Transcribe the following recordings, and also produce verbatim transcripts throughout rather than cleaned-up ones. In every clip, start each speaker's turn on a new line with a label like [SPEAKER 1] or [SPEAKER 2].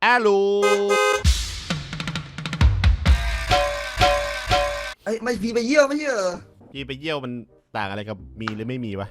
[SPEAKER 1] อาลู
[SPEAKER 2] ไอ้ไม่พีไปเยี่ยวไม่ใช่เหรอ
[SPEAKER 1] พีไปเยี่ยวมันต่างอะไรกับมีหรือไม่มีวะ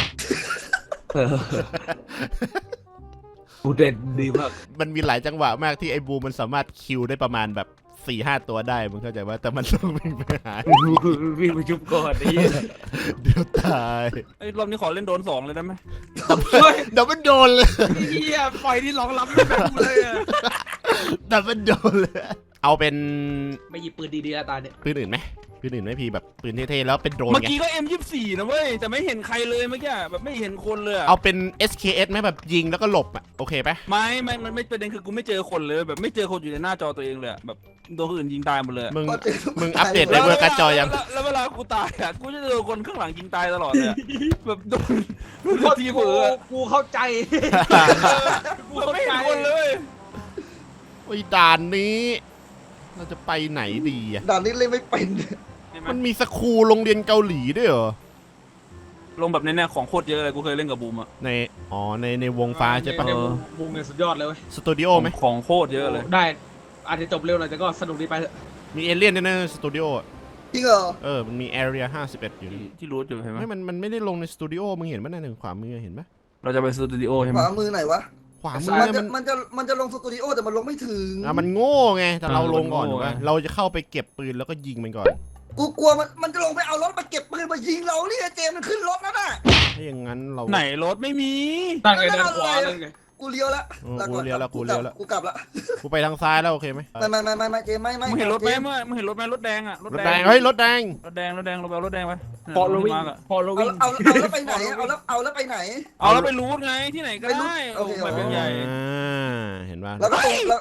[SPEAKER 3] กูเด่นดีมาก
[SPEAKER 1] มันมีหลายจังหวะมากที่ไอ้บูมันสามารถคิวได้ประมาณแบบสี่ห้าตัวได้มึงเข้าใจว่าแต่มันต้องวิ่งไปหา
[SPEAKER 3] วิ่งไปชุบก่อนไอ้
[SPEAKER 1] เดี๋ยวตาย
[SPEAKER 4] ไอ้รอบนี้ขอเล่นโดนสองเลยได้ไหม
[SPEAKER 1] เดี๋ยวมันโดนเลย
[SPEAKER 3] เฮียปล่อยที่ร้องรับไม่แบบเลย
[SPEAKER 1] เดี๋ยวมันโดนเลยเอาเป็น
[SPEAKER 3] ไม่หยิบปืนดีๆแล้วตาเนี่ย
[SPEAKER 1] ปืนอื่นไหมปืนอื่นไหมพี่แบบปืนเท่ๆแล้วเป็นโดรนไง
[SPEAKER 4] เมื่อกี้ก็ เอ็ม ยี่สิบสี่ นะเว้ยแต่ไม่เห็นใครเลยเมื่อกี้แบบไม่เห็นคนเลย
[SPEAKER 1] เอาเป็น เอส เค เอส ไหมแบบยิงแล้วก็หลบอ่ะโอเคปะ
[SPEAKER 4] ไม่ไม่มันไม่ประเด็นคือกูไม่เจอคนเลยแบบไม่เจอคนอยู่ในหน้าจอตัวเองเลยแบบโดนคนอื่นยิงตายหมดเลย
[SPEAKER 1] มึงมึงอัปเดตในเวอร์การ์ดจอยัง
[SPEAKER 4] แล้วเวลากูตายอ่ะกูจะเจอคนข้างหลังยิงตายตลอดเลยแบบโดนโดนทีเผลอ
[SPEAKER 3] กูเข้าใจ
[SPEAKER 4] กูไม่เห็นคนเลย
[SPEAKER 1] โอ้ยด่านนี้เราจะไปไหนดีอ่ะ
[SPEAKER 2] ด่านนี้เล่นไม่เป็น
[SPEAKER 1] มันมีสคูลโรงเรียนเกาหลีด้วยเหรอ
[SPEAKER 4] ลงแบบในแนวของโคตรเยอะเลยกูเคยเล่นกับบูมอะ
[SPEAKER 1] ในอ๋อในในวงฟ้าใช่ปะ
[SPEAKER 3] วงเนี่ยสุดยอดเลย
[SPEAKER 1] สตูดิโอไหม
[SPEAKER 4] ของโคตรเยอะเลย
[SPEAKER 3] ได้อาจจะจบเร็วหน่อยแต่ก็สนุกดีไป
[SPEAKER 1] มีเอเลี่ยนด้วยนะสตูดิโอ
[SPEAKER 2] จริงเหรอ
[SPEAKER 1] เออมันมีแอเรียห้าสิบเอ็ดอยู่
[SPEAKER 4] ที่รู้อยู่ใช่ไหม
[SPEAKER 1] ไม่มันมันไม่ได้ลงในสตูดิโอมึงเห็นไหมในหนึ่งขวามือเห็นไหม
[SPEAKER 4] เราจะไปสตูดิโอใช่ไหม
[SPEAKER 2] ขวามือไหนวะ
[SPEAKER 1] ขวามือ
[SPEAKER 2] มันมันจะมันจะลงสตูดิโอแต่มันลงไม่ถึง
[SPEAKER 1] อ่ะมันโง่ไงแต่เราลงก่อนถูกไหมเราจะเข้าไปเก็บปืนแล้วก็ยิงมันก่อน
[SPEAKER 2] กูกลัวมันมันจะลงไปเอารถมาเก็บปืนมายิงเราเนี่ยเจมมันขึ้นรถแล้วน่ะ
[SPEAKER 1] ถ้าอย่างนั้นเรา
[SPEAKER 4] ไหนรถไม่มี
[SPEAKER 3] ตั้งไงเดินขวาเลยไง
[SPEAKER 2] กูเลี้ยวแล้ว
[SPEAKER 1] กูเลี้ยวแล้วกูเลี้ยวแล้ว
[SPEAKER 2] กูกลับละ
[SPEAKER 1] กูไปทางซ้ายแล้วโอเคไหม
[SPEAKER 2] ไม่ไม่ไม่ไม่เจมไม่ไม่
[SPEAKER 4] มึงเห็นรถไหมเมื่อมึงเห็นรถไหมรถแดงอะ
[SPEAKER 1] รถแดงเฮ้ยรถแดง
[SPEAKER 4] รถแดงรถแดงเราไปเอารถแดงไป
[SPEAKER 3] พอเราวิ่งพอเราวิ่ง
[SPEAKER 2] เอาเอาแล้วไปไหนเอาแล้วเอาแล้วไปไหน
[SPEAKER 4] เอาแล้วไปรูทไงที่ไหนก็ได้โอเคไปเป็นใหญ่
[SPEAKER 1] เห็นป่ะ
[SPEAKER 2] แล้วก็แล้ว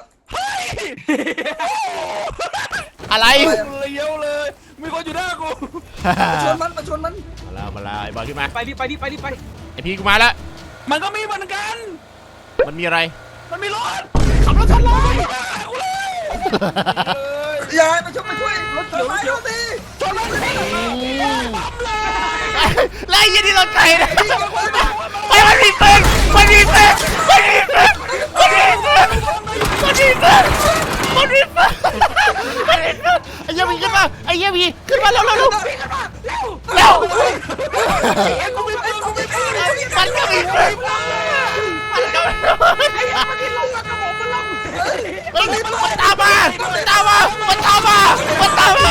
[SPEAKER 1] อะไร
[SPEAKER 4] เลี้ยวเลยมีคนอยู่หน้ากู
[SPEAKER 2] มาชนมันมาชนมัน
[SPEAKER 1] มาแล้วมาแล้วไอ้บอลขึ้นมา
[SPEAKER 3] ไปดิไปดิไปดิไป
[SPEAKER 1] ไอพีกูมาแล้ว
[SPEAKER 4] มันก็มีเหมือนกัน
[SPEAKER 1] มันมีอะไร
[SPEAKER 4] มันมีรถขับรถชนเลย
[SPEAKER 2] ยายมาช่วยมาช่วยรถเขียวรถเขียวสิ
[SPEAKER 4] ชนเลยปั๊มเลย
[SPEAKER 1] ไล่ยันที่รถไฟนะไอ้มันมีปืนมันมีปืนมันมีปืนมันมีปืนมันมีปืนมันมีปืนมันมีปืนไอ้เหี้ยมีขึ้นมาไอ้เหี้ยมีขึ้นมาเร็วเร็วเร็วเร็วมันก็มีปืนมันก็มีปืนมันตามมามันตามมามันตามมามันตามมา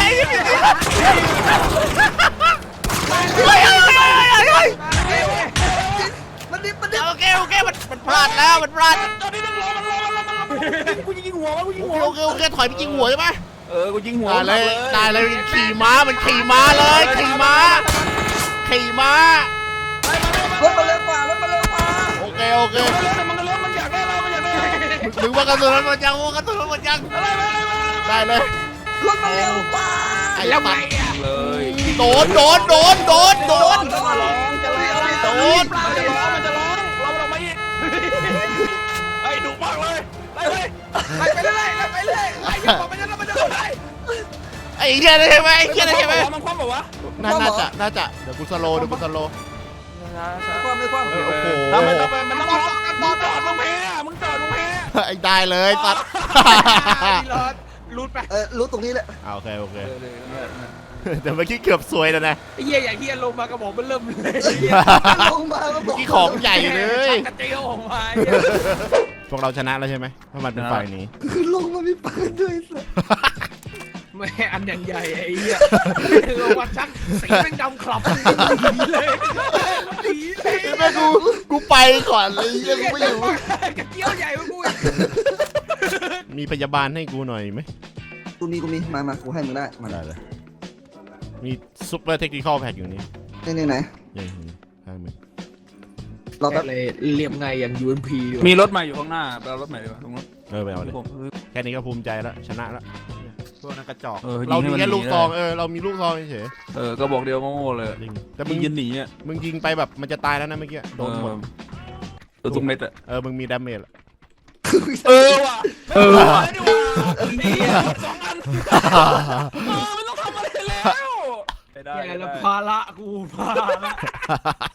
[SPEAKER 1] เฮ้ยเฮ้ยเฮ้ยเฮ้ย
[SPEAKER 2] มันดิบมันดิบ
[SPEAKER 1] โอเคโอเคมันมันพลาดแล้วมันพลาด
[SPEAKER 4] ตอนนี้มันรอมันรอมันรอมันรอกูยิงหัวกูยิงหัว
[SPEAKER 1] โอเคโอเคถอยไปยิงหัวใช่ไหม
[SPEAKER 4] เออกูยิงหัว
[SPEAKER 1] ได้เลยได้เลยขี่ม้ามันขี่ม้าเลยขี่ม้าขี่ม้าร
[SPEAKER 2] ถมาเร็วกว่ารถมาเร็วกว่า
[SPEAKER 1] โอเคโอเค
[SPEAKER 4] มันก็เร็วมันอยากได้เรามันอยากได้
[SPEAKER 1] ถึงว่ากระสุนมันหมดยังกระสุนมันหมดยังได้เลย
[SPEAKER 2] รถมาเร็วกว่า
[SPEAKER 1] แล้วไง
[SPEAKER 4] เลย
[SPEAKER 1] โดนโดนโดนโดนโดน
[SPEAKER 4] จะร้องจะร้องโดนมันจะร้องมันจะร้องเราเราไม่ไอ้ดุมากเลยไปเลยไปไปเลยไปเลยไอ้ยังบอกมันจะมันจะไป
[SPEAKER 1] ไอ้เหี้ยได้ไหมไอ้เหี้ยได้ไหม
[SPEAKER 4] มันคว่ำแบบวะ
[SPEAKER 1] น่าจะน่าจะเดี๋ยวกูสโลเดี๋ยวกูสโล
[SPEAKER 2] ไม่คว่ำไม่คว่ำ
[SPEAKER 1] โอ้โห
[SPEAKER 4] ทำไมทำไมมันต้องร้องกันตอนจอดมึงแพ้มึงจอดมึงแพ้
[SPEAKER 1] ไอ้ได้เลยตัด
[SPEAKER 3] รูดไป
[SPEAKER 2] เออรู้ตรงนี้แหละ
[SPEAKER 1] โอเคโอเคแต่เมื่อกี้เกือบสวยแล้วนะ
[SPEAKER 3] ไอ้เหี้ยอย่างเหี้ยลงมากระบอกมันเริ่มเลย
[SPEAKER 2] ลงมาเ
[SPEAKER 1] มื่อกี้ของใหญ่เลย
[SPEAKER 3] กระเจียวออกมา
[SPEAKER 1] พวกเราชนะแล้วใช่ไหมถ้ามันเป็นฝ่ายนี้
[SPEAKER 2] คือลงมามีปืนด้วยสิ
[SPEAKER 3] แม่อันอย่างใหญ่ไอ้เหี้ยลงมาชักสีแม่งดำคลับเลย
[SPEAKER 1] แม่กูกูไปก่อนเลยยังไม่อยู่
[SPEAKER 3] กระเจียวใหญ่มากู
[SPEAKER 1] มีพยาบาลให้กูหน่อยไหม
[SPEAKER 2] กูมีกูมีมามากูให้มึงได้มา
[SPEAKER 1] ได้เลยมีซุปเปอร์เทคนิคอลแพ็กอยู่นี่
[SPEAKER 2] นี่นี่ไหน
[SPEAKER 1] ยังข้างมึง
[SPEAKER 2] เราแบบ
[SPEAKER 3] เลยเรียบไงอย่าง ยู เอ็ม พี
[SPEAKER 4] มีรถใหม่อยู่ข้างหน้าไปเอารถใหม่ดีกว่าตรงนั้น
[SPEAKER 1] เออไปเอาเลยแค่นี้ก็ภูมิใจแล้วชนะแล้วพวกนั้นกระจอก
[SPEAKER 4] เออ
[SPEAKER 1] เรามีแค่ลูกซอง
[SPEAKER 4] ยิงให้มันหนี
[SPEAKER 1] เออเรามีลูกซองเฉย
[SPEAKER 4] เออก็บอกเดียวโง่ๆเลย
[SPEAKER 1] จริงแต่
[SPEAKER 4] แต่
[SPEAKER 1] มึ
[SPEAKER 4] มึ
[SPEAKER 1] ง
[SPEAKER 4] งยิงหนีอ่ะ
[SPEAKER 1] มึงยิงไปแบบมันจะตายแล้วนะเมื่อกี้โดนหมด
[SPEAKER 4] ตัวทุกเม็ดอ่ะ
[SPEAKER 1] เออมึงมีดาเมจ
[SPEAKER 4] เออว่ะเออว่ะนี่สองอันเออไม่ต้องทำอะไรแล้วไม่ได้
[SPEAKER 3] แล้วภาระกูภาระ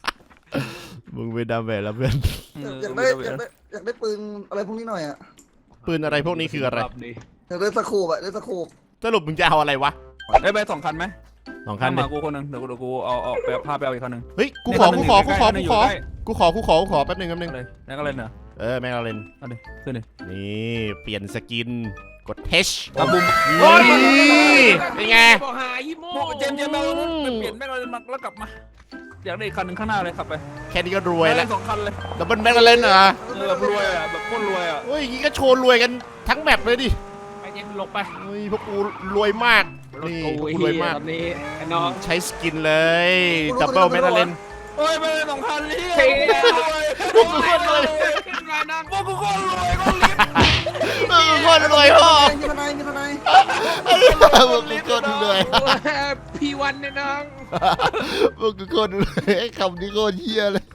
[SPEAKER 1] มึงเป็นดาเมจแล้วเพื่อน
[SPEAKER 2] อยากได้อยากได้อยากได้ปืนอะไรพวกนี้หน่อยอ่ะ
[SPEAKER 1] ปืนอะไรพวกนี้คืออะไร
[SPEAKER 2] เดี๋ยวเล่นสกูบอะเล่นสกูบ
[SPEAKER 1] สรุปมึงจะเอาอะไรวะ
[SPEAKER 4] เอ้ยไปสองคันไหม
[SPEAKER 1] สองคันดิ
[SPEAKER 4] มากูคนหนึ่งเดี๋ยวกูเดี๋ยวกูเอาเอาไปพาไปเอาอีกคันหนึ่ง
[SPEAKER 1] เฮ้ยกูขอกูขอกูขอกูขอกูขอกูขอกูขอแป๊บนึงแป๊บนึง
[SPEAKER 4] เลยแล้วก็เลยเนอะ
[SPEAKER 1] เออแม็กลาเรน
[SPEAKER 4] เอาดิขึ้นดิ
[SPEAKER 1] นี่เปลี่ยนสกินกด H
[SPEAKER 4] ตาบุ้ม
[SPEAKER 1] นี่เป็นไง
[SPEAKER 3] บอกหายี่โม่
[SPEAKER 4] เจมส์เจมส์เราเปลี่ยนแม่งเลยมาแล้วกลับมาอยากได้อีกคันหนึ่งข้างหน้าเลยขับไป
[SPEAKER 1] แค่นี้ก็รวยแล้ว
[SPEAKER 4] สองคันเลย
[SPEAKER 1] ดับเบิลแม็กลาเรนเหรอ
[SPEAKER 4] แบบรวยอ่ะแบบโคตรรวยอ่ะ
[SPEAKER 1] เฮ้ยอย่างงี้ก็โชว์รวยกันทั้งแมปเลยดิ
[SPEAKER 3] ไปเจมลงไป
[SPEAKER 1] เฮ้ยพวกกูรวยมากนี่พวกกูรวยมาก
[SPEAKER 3] ตอนนี้ไอ้น้อง
[SPEAKER 1] ใช้สกินเลยดับเบิลแม็กลาเรน
[SPEAKER 4] เฮ้ยไปเลยสองคันเลย
[SPEAKER 3] เฮ้ย
[SPEAKER 1] พวกกูโคตรรวย
[SPEAKER 3] ขึ้นมานั่ง
[SPEAKER 4] พวกกูโคตรรวยก็ลิ้น
[SPEAKER 1] พวกกูโคตรรวยพ่อ
[SPEAKER 2] มีทนายมีทนาย
[SPEAKER 1] พวกกูโคตรรวย
[SPEAKER 3] พี่วันเนี่ยน้อง
[SPEAKER 1] พวกกูโคตรรวยไอ้คำนี้โคตรเฮี้ยเลย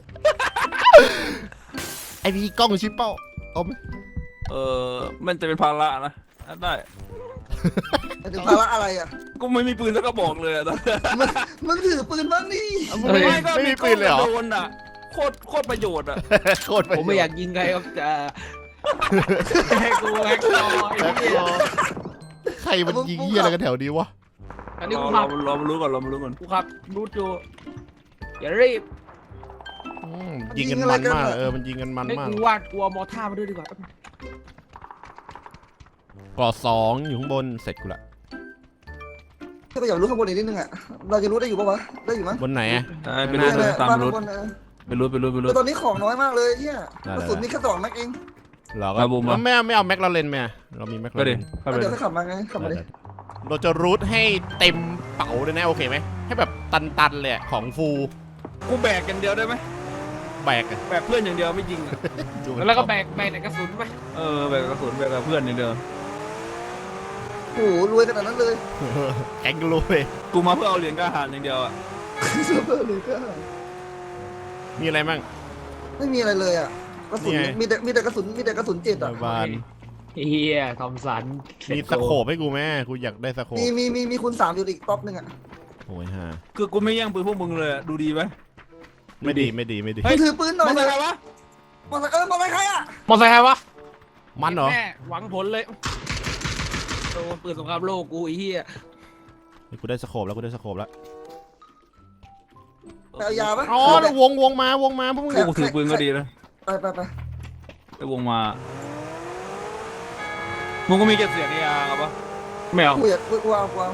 [SPEAKER 1] ไอพี่กล้องชิปเป้าเอาไหม
[SPEAKER 4] เออมันจะเป็นภาระนะได้
[SPEAKER 2] ถึงภาระอะไรอ่ะ
[SPEAKER 4] กูไม่มีปืนสักกระบอกเลยอะตอน
[SPEAKER 2] มึงมึงถือปืนบ้างนี่
[SPEAKER 1] ไม่ไม่มีปืนเลยเหรอ
[SPEAKER 4] โดนอ่ะโคตรโคตรประโยชน์อ่ะ
[SPEAKER 1] โคตร
[SPEAKER 3] ผมไม่อยากยิงใครครับจะให้กูแฮกต่อไอ้เหี้ย
[SPEAKER 1] ใครมันยิงเฮี้ยอะไรกันแถวนี้วะ
[SPEAKER 3] อันนี้
[SPEAKER 4] ร
[SPEAKER 3] กู
[SPEAKER 4] อ
[SPEAKER 3] ขับ
[SPEAKER 4] รอมารู้ก่อนรอมารู้ก่อน
[SPEAKER 3] กูขับรูดอยู่อย่ารีบ
[SPEAKER 1] อืมยิงกันมันมากเออมันยิงกันมัน
[SPEAKER 3] ให้
[SPEAKER 1] มาก
[SPEAKER 3] กูวาดกลัวมอท่ามาด้วยดีกว่า
[SPEAKER 1] ก่อสองอยู่ข้างบนเสร็จกูละ
[SPEAKER 2] ถ้าไปอยากรู้ข้างบนอีกนิดนึงอ่ะเราจะรู้ได้อยู่ปะวะได้อยู่มั้ย
[SPEAKER 1] บนไหนอะ
[SPEAKER 4] ไปรู้ไป
[SPEAKER 2] บ้าน
[SPEAKER 4] ตามรู้
[SPEAKER 2] ข้างบนเออ
[SPEAKER 4] ไปรู้ไปรู้ไปรู้
[SPEAKER 2] แต่ตอนนี้ของน้อยมากเลยเฮียกระสุนมีแค่สองแม็กเอง
[SPEAKER 1] เราก็
[SPEAKER 4] มาบูมมา
[SPEAKER 1] ไม่เอาไม่เอาแม็กลาเรนไหมอะเรามีแม็ก
[SPEAKER 4] ก็
[SPEAKER 1] ลาเร
[SPEAKER 4] ดิ
[SPEAKER 1] น
[SPEAKER 4] เข้าไป
[SPEAKER 2] เดี๋ยวให้ขับมาไงขับมาดิ
[SPEAKER 1] เราจะรูทให้เต็มเป๋าเลยนะโอเคไหมให้แบบตันๆเลยอะของฟู
[SPEAKER 4] กูแบกกันเดียวได้ไหม
[SPEAKER 1] แบกอะ
[SPEAKER 4] แบกเพื่อนอย่างเดียวไม่ยิงอะ
[SPEAKER 1] ดูมัน
[SPEAKER 3] แล้วก็แบกแบกแต่กระสุนไป
[SPEAKER 4] เออแบกกระสุนแบกกับเพื่อนอย่างเดียว
[SPEAKER 2] โอ้โหรวยขนาดนั้นเลย
[SPEAKER 1] แก๊งรวย
[SPEAKER 4] กูมาเพื่อเอาเหรียญกล้าหาญอย่างเดียวอ่ะ
[SPEAKER 2] เสื้อเบอร์เลยก็
[SPEAKER 1] มีอะไรบ้าง
[SPEAKER 2] ไม่มีอะไรเลยอ่ะกระสุน
[SPEAKER 1] นี่ไง
[SPEAKER 2] มีแต่มีแต่กระสุนมีแต่กระสุนเจ็ดอ่ะ
[SPEAKER 1] บาน
[SPEAKER 3] เฮียทอมสัน
[SPEAKER 1] มีสโคปให้กูไหมกูอยากได้สโคป
[SPEAKER 2] มีมีมีมีคูณสามอยู่อีกท็อปหนึ่งอ่ะ
[SPEAKER 1] โอ้ยฮะ
[SPEAKER 4] คือกูไม่แย่งปืนพวกมึงเลยอะดูดีไหม
[SPEAKER 1] ไม่ดีไม่ดีไม่ดี
[SPEAKER 4] เฮ้ย
[SPEAKER 2] ถือปืนหน่อย
[SPEAKER 4] มันอะไรวะ
[SPEAKER 2] มอเตอร์เออมอเตอร์ไซค์ใครอ่ะ
[SPEAKER 3] มอไซค์ใครวะ
[SPEAKER 1] มันเหรอ
[SPEAKER 3] แม่หวังผลเลยโอ้ปืนสงครามโลกกูไอ้เหี้ย
[SPEAKER 1] เฮ้ยกูได้สโคปแล้วกูได้สโคปแล้ว
[SPEAKER 2] เอายาปะ
[SPEAKER 1] อ๋อแล้ววงวงมาวงมาพวกมึง
[SPEAKER 4] กูถือปืนก็ดีนะ
[SPEAKER 2] ไปไปไป
[SPEAKER 4] ไอ้วงมามึงก็มีเก็บเสียงในยาครับปะ
[SPEAKER 3] ไม่เอา
[SPEAKER 2] กูอยากกูกูเอากูเอา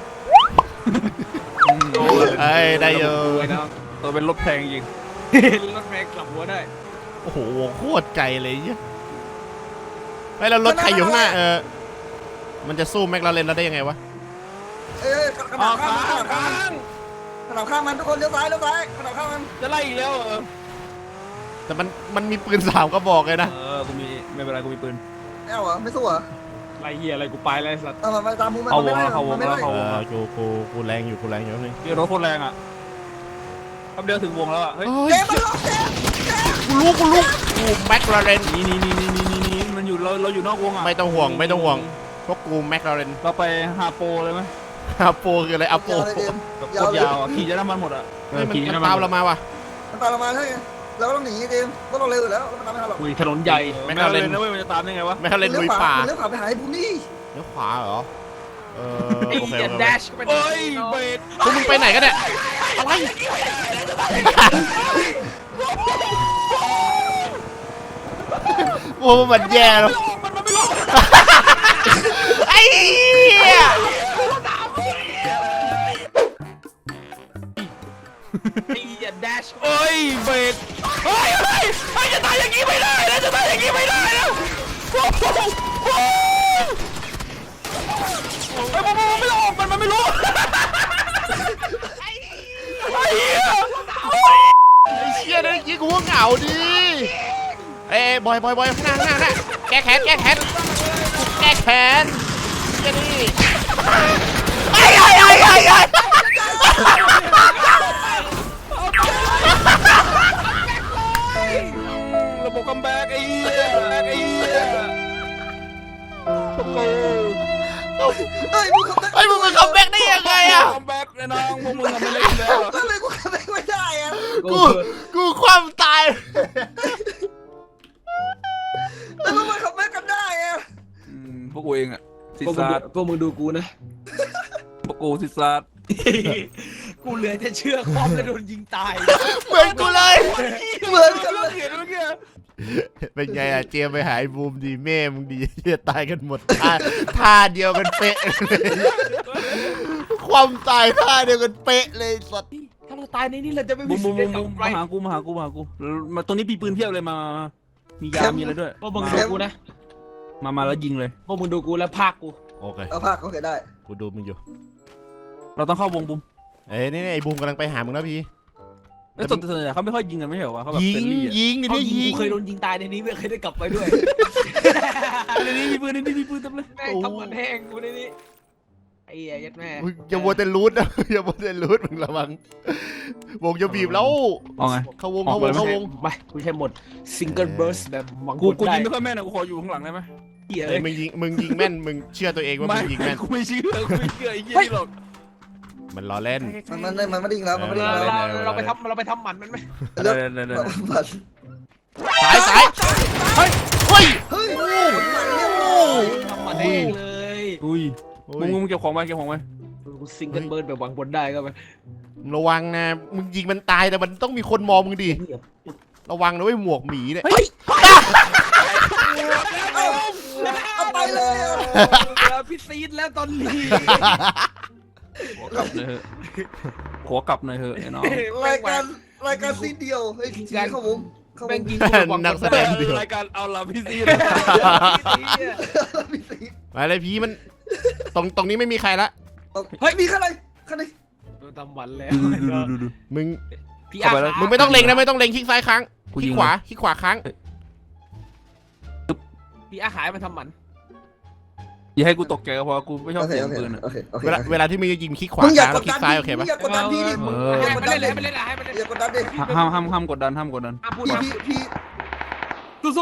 [SPEAKER 1] เอ้ยได้เยอะ
[SPEAKER 3] ไอ้น้อง
[SPEAKER 4] ตัวเป็นรถแพงจริง
[SPEAKER 3] รถแม็กกลับหัวได้
[SPEAKER 1] โอ้โหวงโคตรไกลเลยเนี่ยไอ้แล้วรถใครอยู่ข้างหน้าเออมันจะสู้แม็กลาเรนเราได้ยังไงวะ
[SPEAKER 2] เอ้ยกระ
[SPEAKER 4] อ๋อ
[SPEAKER 2] ดาษข้าม
[SPEAKER 4] ค้า
[SPEAKER 2] มันกระดาษ
[SPEAKER 4] ค้าง
[SPEAKER 2] ข้ามกระดาษข้ามมันทุกคนเลี้ยวซ้ายเลี้ยวซ้ายกระดาษข้ามมัน
[SPEAKER 4] จะไล่อีกแล้วเหรอ
[SPEAKER 1] แต่มันมันมีปืนสามกระบอกเลยนะ
[SPEAKER 4] เออกูมีไม่เป็นไรกูมีปืน
[SPEAKER 2] ไม่เอาเหรอไม่สู้เหรอ
[SPEAKER 3] ไรเหี้ยอะไรกูไปแล้วไอ้สัตว์
[SPEAKER 2] เอามาไปตามมูมัน
[SPEAKER 4] เอาวง
[SPEAKER 2] ไม่ได้
[SPEAKER 4] แล้วเข้าวง
[SPEAKER 2] ไม่
[SPEAKER 4] แล้
[SPEAKER 2] ได้
[SPEAKER 4] วเข้า
[SPEAKER 1] เอ
[SPEAKER 4] วง
[SPEAKER 1] อ
[SPEAKER 4] แล้ว
[SPEAKER 1] กูกูกูแรงอยู่กูแรงอยู่นี่
[SPEAKER 4] เดี๋ยวรถโคตรแรงอ่ะแป๊บเดียวถึงวงแล้วอ่ะเฮ้ย
[SPEAKER 1] เฮ้ย
[SPEAKER 2] เจมส์มันล็อกเจมส์เจมส์
[SPEAKER 1] กูรู้กูรู้กูแม็กลาเรน
[SPEAKER 4] นี่นี่นี่นี่นี่นี่นี่มันอยู่เราเราอยู่นอกวงอ่ะ
[SPEAKER 1] ไม่ต้องห่วงไม่ต้องห่วงพวกกูแม็กลาเรน
[SPEAKER 4] เราไปฮาโปเลยไหม
[SPEAKER 1] อาโปคืออะไรอาโป
[SPEAKER 2] ยาวเลยเจมส์
[SPEAKER 4] แบบโค
[SPEAKER 2] ยาว
[SPEAKER 4] ตร
[SPEAKER 2] เลย
[SPEAKER 4] ยาวอ่ะขี่จะน้ำมันหมดอ่ะ
[SPEAKER 1] เฮ้ยมันมันตามเรามาว่ะ
[SPEAKER 2] มันตามเรามาใช่ไงเราก็ต้องหนีเจมส์เพราะเราเร็วอยู่แล้วเราไม่ตามไม่ทันหรอก
[SPEAKER 3] อุ้ยถนนใหญ่
[SPEAKER 4] ไม่น่าเลยนะเว้ยมันจะตามได้ไงวะ
[SPEAKER 1] แม็กลาเรนลุยป่า
[SPEAKER 2] เลี้ยวขวาไปหาไอ้พวกนี้
[SPEAKER 1] เลี้ยวขวาเหรอเออ
[SPEAKER 3] ไอ้
[SPEAKER 1] โอเค
[SPEAKER 3] เหี้ย
[SPEAKER 1] โอ
[SPEAKER 3] แด
[SPEAKER 1] เค
[SPEAKER 3] ชไป
[SPEAKER 4] เฮ้ยเบรด
[SPEAKER 1] พวกมึงไปไหนกันเนี่ยอะไรโอ้มันแย่แล้ว
[SPEAKER 4] มันมันไม่ลง
[SPEAKER 1] ไอ้เหี้ย
[SPEAKER 3] ไอ้เหี้ยแดช
[SPEAKER 4] เฮ้ยเบรดเฮ้ยเฮ้ยเฮ้ยจะตายอย่างนี้ไม่ได้นะจะตายอย่างนี้ไม่ได้นะโอ้โหโอ้โหไอ้มันไม่ลงมันมันไม่รู้ไอ้เหี้ย
[SPEAKER 1] ไอ้เชี่ยนั่นกี้กูว่าเหงาดิเอ้ยบอยบอยบอยข้างหน้าข้างหน้าแก้แค้นแก้แค้นแก้แค้นเชี่ยนี่ไอ้ไอ้ไอ้ไอ้ไอ้
[SPEAKER 4] ระบบคัมแบ็กไอ้เหี้ยไอ้เหี้ยโอ้โห
[SPEAKER 2] เอ้ยมึงขับ
[SPEAKER 1] ไอ้มึงมันคัมแบ็กได้ยังไงอะ
[SPEAKER 4] คัมแบ็กเลยน้องพวกมึงทำไม่ได้แล้ว
[SPEAKER 2] ทำไมกูขับไม่ได้อะ
[SPEAKER 1] กูกูความตาย
[SPEAKER 2] แล้วมึงมาขับไม่กันได้อะ
[SPEAKER 4] พวกกูเองอะซิ
[SPEAKER 3] พวกมึง
[SPEAKER 4] ซา
[SPEAKER 3] ดู
[SPEAKER 4] ด
[SPEAKER 3] พวกมึงดูกูนะ
[SPEAKER 4] พวกกูซิซาด
[SPEAKER 3] กูเหลือจะเชื่อคอมจะโดนยิงตาย
[SPEAKER 1] เหมือนกูเลย
[SPEAKER 2] เหมือนกันเลย
[SPEAKER 4] เห็นเมื่อกี้
[SPEAKER 1] เป็นไงอะเจมไปหายบูมดีแม่มึงดีเหี้ยตายกันหมดท่าท่าเดียวกันเป๊ะเลยความตายท่าเดียวกันเป๊ะเลยสัตว์
[SPEAKER 3] ถ้าเราตายในนี้เราจะไม่
[SPEAKER 4] บุ
[SPEAKER 3] มี
[SPEAKER 4] ม
[SPEAKER 3] สิ
[SPEAKER 4] บุ
[SPEAKER 3] ท
[SPEAKER 4] ม
[SPEAKER 3] ธิ์
[SPEAKER 4] บุ
[SPEAKER 3] ได้
[SPEAKER 4] ม
[SPEAKER 3] กลับ
[SPEAKER 4] บุม
[SPEAKER 3] ไป
[SPEAKER 4] มาหากูมาหากูมาหากูมาตรงนี้มีปืนเพียบเลยมามียามีอะไรด้วย
[SPEAKER 3] พวกมึงดูกูนะ
[SPEAKER 4] มามาแล้วยิงเลย
[SPEAKER 3] พวกมึงดูกูแล้วพากกู
[SPEAKER 1] โอเค
[SPEAKER 2] เอาภาคเขาเคยได้
[SPEAKER 1] กูดูมึงอยู่
[SPEAKER 4] เราต้องเข้าวงบุม
[SPEAKER 1] เอ้ยนี่ไอ้บูมกำลังไปหามึงแล้วพี่
[SPEAKER 4] ไอ้ส่วนส่วนใหญ่เขาไม่ค่อยยิงกันไม่ใช่เหรอวะเขาแบบ
[SPEAKER 1] ยิ
[SPEAKER 4] เฟรง นลี่อะ
[SPEAKER 1] ยิงนี่
[SPEAKER 3] เอา
[SPEAKER 1] นี่
[SPEAKER 3] ยิง
[SPEAKER 1] ยิ
[SPEAKER 3] กู
[SPEAKER 1] ง
[SPEAKER 3] เคยโดนยิงตายในนี้ไม่เคยได้กลับไปด้วย
[SPEAKER 4] ในนี้มีปืนในนี้มีปืนเต็มเลย
[SPEAKER 3] แม่งทำมันแห้งกูในนี้ไอ้เหี้ยยัดแม่
[SPEAKER 1] มึงอย่ามัวแต่รูดนะ อย่ามัวแต่รูดมึงระวังวงจะบีบแล้ว
[SPEAKER 4] เอาไง
[SPEAKER 1] เข้าวงเข้าวงเข้าวง
[SPEAKER 3] ไปกูใช้หมดซิงเกิลเบิร์สแบบหวัง
[SPEAKER 4] กู
[SPEAKER 3] ผล
[SPEAKER 4] กู
[SPEAKER 3] ได้
[SPEAKER 4] ยิงไม่ค่อยแม่นนะกูขออยู่ข้างหลังได้ไหม
[SPEAKER 3] เหี้ย
[SPEAKER 1] เอ้
[SPEAKER 3] เลย ย
[SPEAKER 1] มึงยิงมึงยิงแม่นมึงเชื่อตัวเองว่ามึงยิงแม่น
[SPEAKER 4] กูไม่เชื่อกูไม่เชื่อไอ้เหี้ยนี่หรอก
[SPEAKER 1] มันล้อเล่น
[SPEAKER 2] มันมันมันไม่ได้ยิงแล้วมันไม่ได้
[SPEAKER 3] เรา
[SPEAKER 2] ยิงแล้ว
[SPEAKER 3] เราเราไปทำเราไปทำหมันมันไหม
[SPEAKER 4] เดี๋ยวเดี๋ยวเดี๋ยว
[SPEAKER 2] มัน
[SPEAKER 1] สายสายเฮ้ยเฮ้ย
[SPEAKER 2] เฮ้ย
[SPEAKER 3] ทำหมันแห้งเลย
[SPEAKER 4] อุ้ยมึงมึงเก็บของไปเก็บของไป
[SPEAKER 3] กูซิงเกิลเบิร์สแบบหวังผลได้ก็ไป
[SPEAKER 1] ระวังนะมึงยิงมันตายแต่มันต้องมีคนมองมึงดิระวังนะเว้ยหมวกหมีเนี่ย
[SPEAKER 2] เอาไปเลยอ่ะ
[SPEAKER 3] แล้วพี่ซีดแล้วตอนนี้
[SPEAKER 4] ขอกลับเลยเหอะขอกลับหน่อยเหอะไอ้น้อง
[SPEAKER 2] รายการรายการซีเดียวเฮ้ยทีเข้าวงเข้าว
[SPEAKER 3] แม่
[SPEAKER 2] ง
[SPEAKER 3] งยิง
[SPEAKER 1] นักแสดงเดียว
[SPEAKER 4] รายการเอาละพี่ซี
[SPEAKER 2] พี่ซี
[SPEAKER 1] มาเลยพี่มันตรงตรงนี้ไม่มีใครละ
[SPEAKER 2] เฮ้ยมีข้างในข้างใน
[SPEAKER 3] โดนทำหมันแล้ว
[SPEAKER 1] มึง
[SPEAKER 3] พี่อา
[SPEAKER 1] มึงไม่ต้องเล็งนะไม่ต้องเล็งคลิกซ้ายค้าง
[SPEAKER 4] กู
[SPEAKER 1] คลิ
[SPEAKER 4] ยิ
[SPEAKER 1] ก
[SPEAKER 4] ง
[SPEAKER 1] ขวาคลิกขวาค้าง
[SPEAKER 3] พี่อาหายมันทำหมัน
[SPEAKER 4] อย่าให้กูตกใจก็พอกูไม่ชอบ
[SPEAKER 2] โอเค
[SPEAKER 4] เสียง
[SPEAKER 2] โอเค
[SPEAKER 4] ปืนอะ
[SPEAKER 2] โอเคโอเค
[SPEAKER 1] เวลาเวลาที่มึงจะยิงคลิกขวา
[SPEAKER 2] มึงอย่า
[SPEAKER 1] ค้าง
[SPEAKER 2] ก
[SPEAKER 1] แล้ว
[SPEAKER 2] ด
[SPEAKER 1] คลิ
[SPEAKER 2] ดั
[SPEAKER 1] ก
[SPEAKER 2] น
[SPEAKER 1] ซ้าย
[SPEAKER 2] พี่
[SPEAKER 1] โอเคปะ
[SPEAKER 2] อย่ากดดันพี่ดิมึงอย่ากด
[SPEAKER 3] ไม่
[SPEAKER 2] ดั
[SPEAKER 3] เล่
[SPEAKER 2] น
[SPEAKER 3] น
[SPEAKER 2] ดิ
[SPEAKER 3] เลยไม่เล่นอะไรไม่เล่น
[SPEAKER 2] อย่ากดดันดิ
[SPEAKER 4] ห้ามห้ามห้ามกดดันห้ามกดดัน
[SPEAKER 3] ห้ามพูด
[SPEAKER 2] พี่
[SPEAKER 3] มา
[SPEAKER 2] พี่พี่
[SPEAKER 3] สู้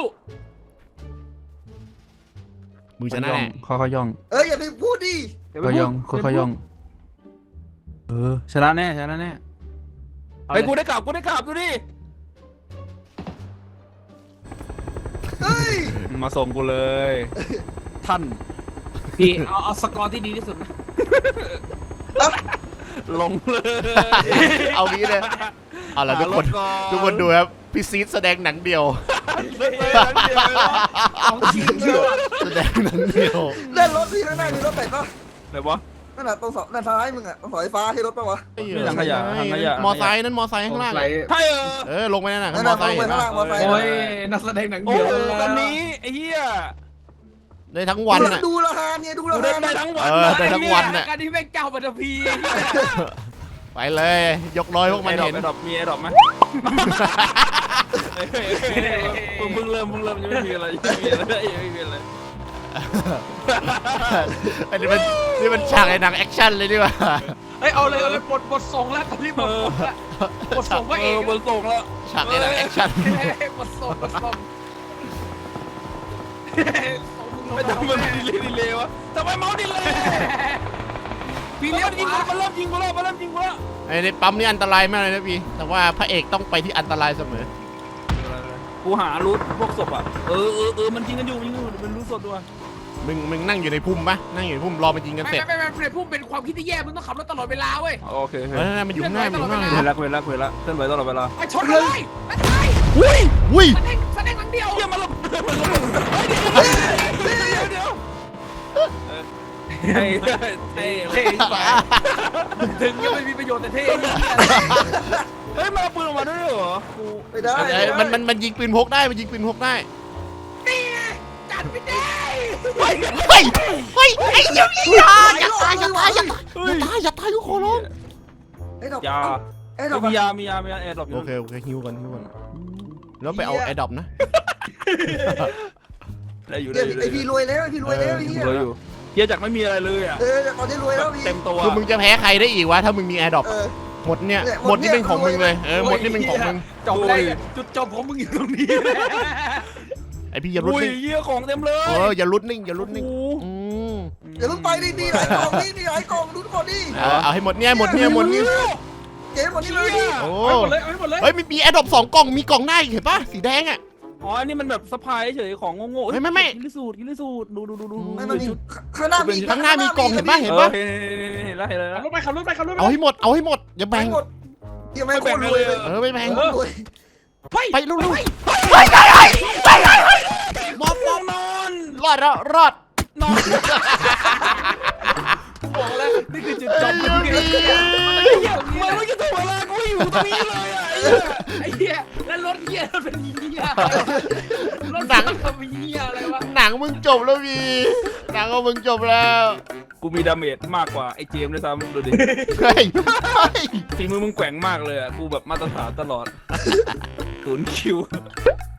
[SPEAKER 1] มึงชนะแน่
[SPEAKER 4] ค่อยๆย่อง
[SPEAKER 2] เอ้ยอย่าไปพูดดิ
[SPEAKER 3] ๆ
[SPEAKER 4] ค่อยๆย่องค่อยๆย่องเออชนะแน่ชนะแน่ไอ้กูได้กลับกูได้กลับดูดิ
[SPEAKER 2] เฮ้ย
[SPEAKER 4] มาส่งกูเลย ท่าน
[SPEAKER 3] พี่เอาเอาสกอร์ที่ดีที่สุดนะ
[SPEAKER 4] ลงเลย
[SPEAKER 1] เอางี้เลยเอาละทุกคนทุกคนดูครับพี่ซีดแสดงหนังเดียว
[SPEAKER 3] ของจริงเลย
[SPEAKER 1] แสดงหนังเดียว
[SPEAKER 2] เล่นรถพี่ข้างหน้ามีรถไหนปะ
[SPEAKER 4] ไหนวะ
[SPEAKER 2] นั่นน่ะตรงเสาด้านซ้ายมึงอ่ะตรงเสาไฟฟ้าให้รถปะวะ
[SPEAKER 4] นี่ถังขยะถังขยะ
[SPEAKER 1] มอไซค์นั่นมอไซค์ข้างล่าง
[SPEAKER 3] ไหล
[SPEAKER 4] ใช่เออ
[SPEAKER 1] เออลงไปนั่นน่ะ
[SPEAKER 2] นั่น
[SPEAKER 1] มอ
[SPEAKER 2] น่ะ
[SPEAKER 1] ไซ
[SPEAKER 2] ลง
[SPEAKER 1] ค์
[SPEAKER 2] ไป
[SPEAKER 1] เห็น
[SPEAKER 2] ข้าง
[SPEAKER 1] ปะ
[SPEAKER 2] ล่างมอไซค์
[SPEAKER 3] โอ้ยนักแสดงหนัง
[SPEAKER 4] โอ้
[SPEAKER 3] เดียว
[SPEAKER 4] โหตอนนี้ไอ้เหี้ย
[SPEAKER 1] ได้ทั้งวันน่ะ
[SPEAKER 2] ดูราคาเนี่ยดู
[SPEAKER 4] กู
[SPEAKER 2] รา
[SPEAKER 4] ได้
[SPEAKER 2] คา
[SPEAKER 4] ได้ทั้งวัน
[SPEAKER 1] เออได้ทั้งวันน่ะ
[SPEAKER 3] การที่แม่งเจ้าปัตตภี
[SPEAKER 1] ไปเลยยกร้อยพวกมัน
[SPEAKER 4] ไอ้ดอก
[SPEAKER 1] เห็น
[SPEAKER 4] ไอ้ดอกมีไอ้ดอกไหมมึงมึงเริ่มมึงเริ่มยังไม่มีอะไรยังไม่มีอะไรยังไม่มีอะไร
[SPEAKER 1] อันนี้มันนี่มันฉากไอ้หนังแอคชั่นเลยดีกว่า
[SPEAKER 3] เฮ้ยเอาเลยเอาเลยปลดปลดส่งแล้วตอนนี้ปลดส่งแล้วปลดส่งพระ
[SPEAKER 4] เอ
[SPEAKER 3] เอก
[SPEAKER 4] อบนส่งแล้ว
[SPEAKER 1] ฉากไอ้หนังแอคชั่น
[SPEAKER 3] ปลดส่งปลดส่ง
[SPEAKER 4] ไม่ทำมันดีเลยดีเลยวะทำไมเมาส์ดีเลย
[SPEAKER 3] พี่
[SPEAKER 4] มัน
[SPEAKER 3] เลี้ยว
[SPEAKER 4] ยิง
[SPEAKER 3] ขวา
[SPEAKER 4] มันเริ่มยิงกูแล้วมันเริ่มยิงกูแล้ว
[SPEAKER 1] ไอ้ในปั๊มนี่อันตรายมากเลยนะพี่แต่ว่าพระเอกต้องไปที่อันตรายเสมอ
[SPEAKER 4] กูหารูทพวกศพอ่ะเออเออเออมันยิงกันอยู่ยิงกันอยู่เป็นรูทศพด้วย
[SPEAKER 1] มึงมึงนั่งอยู่ในพุ่มปะนั่งอยู่ในพุ่มรอมันยิงกัน
[SPEAKER 3] ไม่
[SPEAKER 1] เสร็จ
[SPEAKER 3] ไม่ไม่ไม่พุ่มเป็นความคิดที่แย่มึงต้องขับรถตลอดเวลาเว้ย
[SPEAKER 4] โอเค
[SPEAKER 1] เออมันอยู่ข้างหน้ามันอยู่ข้างหน้า
[SPEAKER 4] เห็นแล้วเห็นแล้วเห็นแล้วเคลื่อนไหวตลอดเวลา
[SPEAKER 3] ไปชนเลยไปไป
[SPEAKER 1] อุ้ยอุ้ย
[SPEAKER 3] แสดงแสดงหลังเดียว
[SPEAKER 4] เฮียมันระเบิดมันระเบิดเฮ้ยเดี๋ยวเดี๋ยวเฮ้ยเท่
[SPEAKER 3] เท่ไปถึงยังไม่มีประโยชน์แต่เท่
[SPEAKER 4] เฮ้ยมันเอาปืนออกมาด้วยเหรอกู
[SPEAKER 2] ไม่ได้
[SPEAKER 1] เอ้ยมันมันมันยิงปืนพกได้มันยิงปืนพกได้
[SPEAKER 3] นี่จัดไม่ได้
[SPEAKER 1] เฮ้ยเฮ้ยเฮ้ยไอ้เหี้ยอย่าอย่าตายอย่าตายอย่าตายอย่าตายอย่าตายกูขอร้อง
[SPEAKER 2] ไอ้ดอก
[SPEAKER 4] ยา
[SPEAKER 2] ไอ้ดอก
[SPEAKER 4] มียามียามียาแอร์ดรอปอ
[SPEAKER 1] โอยู่ เคโอเคฮิวกันฮิวกันแล้วไปเอาไอ้ดอบนะ
[SPEAKER 4] ได้อยู่
[SPEAKER 2] เดี๋
[SPEAKER 4] ได้
[SPEAKER 2] ยว
[SPEAKER 4] อยู่
[SPEAKER 2] ไอ้พี่รวยแล้วไอ้พี่รวยแล้วไอ้เหี้ย
[SPEAKER 4] รวยอยู่เฮียจากไม่มีอะไรเลยอ่ะ
[SPEAKER 2] เออตอนนี้รวยแล้วพี่
[SPEAKER 4] เต็มตัว
[SPEAKER 1] คือมึงจะแพ้ใครได้อีกวะถ้ามึงมีไอ้ดอบ
[SPEAKER 2] เออ
[SPEAKER 1] หมดเนี่ย
[SPEAKER 2] เนี่ย
[SPEAKER 1] หมดนี่เป็นของมึงเลย
[SPEAKER 2] หมดเนี่ย
[SPEAKER 1] เออหมดนี่เป็นของมึง
[SPEAKER 3] จบเลยจุดจบของมึงอยู่ตรงนี้
[SPEAKER 1] ไอพี่อย่าลุ้น
[SPEAKER 4] อุ้ย
[SPEAKER 1] นิ่ง
[SPEAKER 4] เฮียของเต็มเลย
[SPEAKER 1] เอออย่าลุ้นนิ่งอย่าลุ้นนิ่ง
[SPEAKER 4] โอ้
[SPEAKER 1] อืม
[SPEAKER 2] อย่าเพิ่งไปดิมีหลายกล่องนี่มีหลายกล่องดูก่อนดิ
[SPEAKER 1] เอาเอาให้หมดเนี่ยหมดเนี่ยหมดนี่
[SPEAKER 2] เจ๊หมดนี่เลยดิ
[SPEAKER 1] โอ้
[SPEAKER 3] เอาหมดเลยเอาหมดเลย
[SPEAKER 1] เฮ้ยมีมีแอดดอปสองกล่องมีกล่องหน้าอีกเห็นปะสีแดงอ่ะ
[SPEAKER 4] อ๋ออันนี้มันแบบสะพายเฉยของโง่ๆ
[SPEAKER 1] ไม่ไม่ไม่
[SPEAKER 4] กินลิสูตรกินลิสูตรดูดูดูดู
[SPEAKER 2] ไม่มันมีข้างหน้ามี
[SPEAKER 1] ข้างหน้ามีกล่องเห็นปะเห็น
[SPEAKER 4] เออ
[SPEAKER 1] ปะ
[SPEAKER 4] เห็นเห็นแล้วเห็นแล้ว
[SPEAKER 3] ขับรถไปขับรถไปขับรถไป
[SPEAKER 1] เอาให้หมดเอาให้หมดอย่า
[SPEAKER 2] แบ่
[SPEAKER 1] แบ่
[SPEAKER 2] ง
[SPEAKER 1] ง
[SPEAKER 2] หมดยังไม่โคตรรวยเลย
[SPEAKER 1] เออไม่แบ่ง
[SPEAKER 2] โคตรรวย
[SPEAKER 1] ไปลูกลูก
[SPEAKER 4] ไปไปไปไปมอบมอบนอน
[SPEAKER 1] รอดแล้วรอด
[SPEAKER 4] นอนบอกแล้วนี่คือจุดจบมันไม่จะถูกเวลากูอยู่ตรงนี้เลยอ่ะ
[SPEAKER 3] ไอ้เหี้ยแล้วรถเหี้ยรถเป็นเหี้ยรถ
[SPEAKER 1] หนัง
[SPEAKER 3] ทำเหี้ยอะไรวะ
[SPEAKER 1] หนังมึงจบแล้ววีหนังของมึงจบแล้ว
[SPEAKER 4] กูมีดาเมจมากกว่าไอ้เจมส์ด้วยซ้ำดูดิ
[SPEAKER 1] เฮ้ยเฮ้ย
[SPEAKER 4] ฝีมือมึงแกว่งมากเลยอ่ะกูแบบมาตรฐานตลอดศูนย์คิว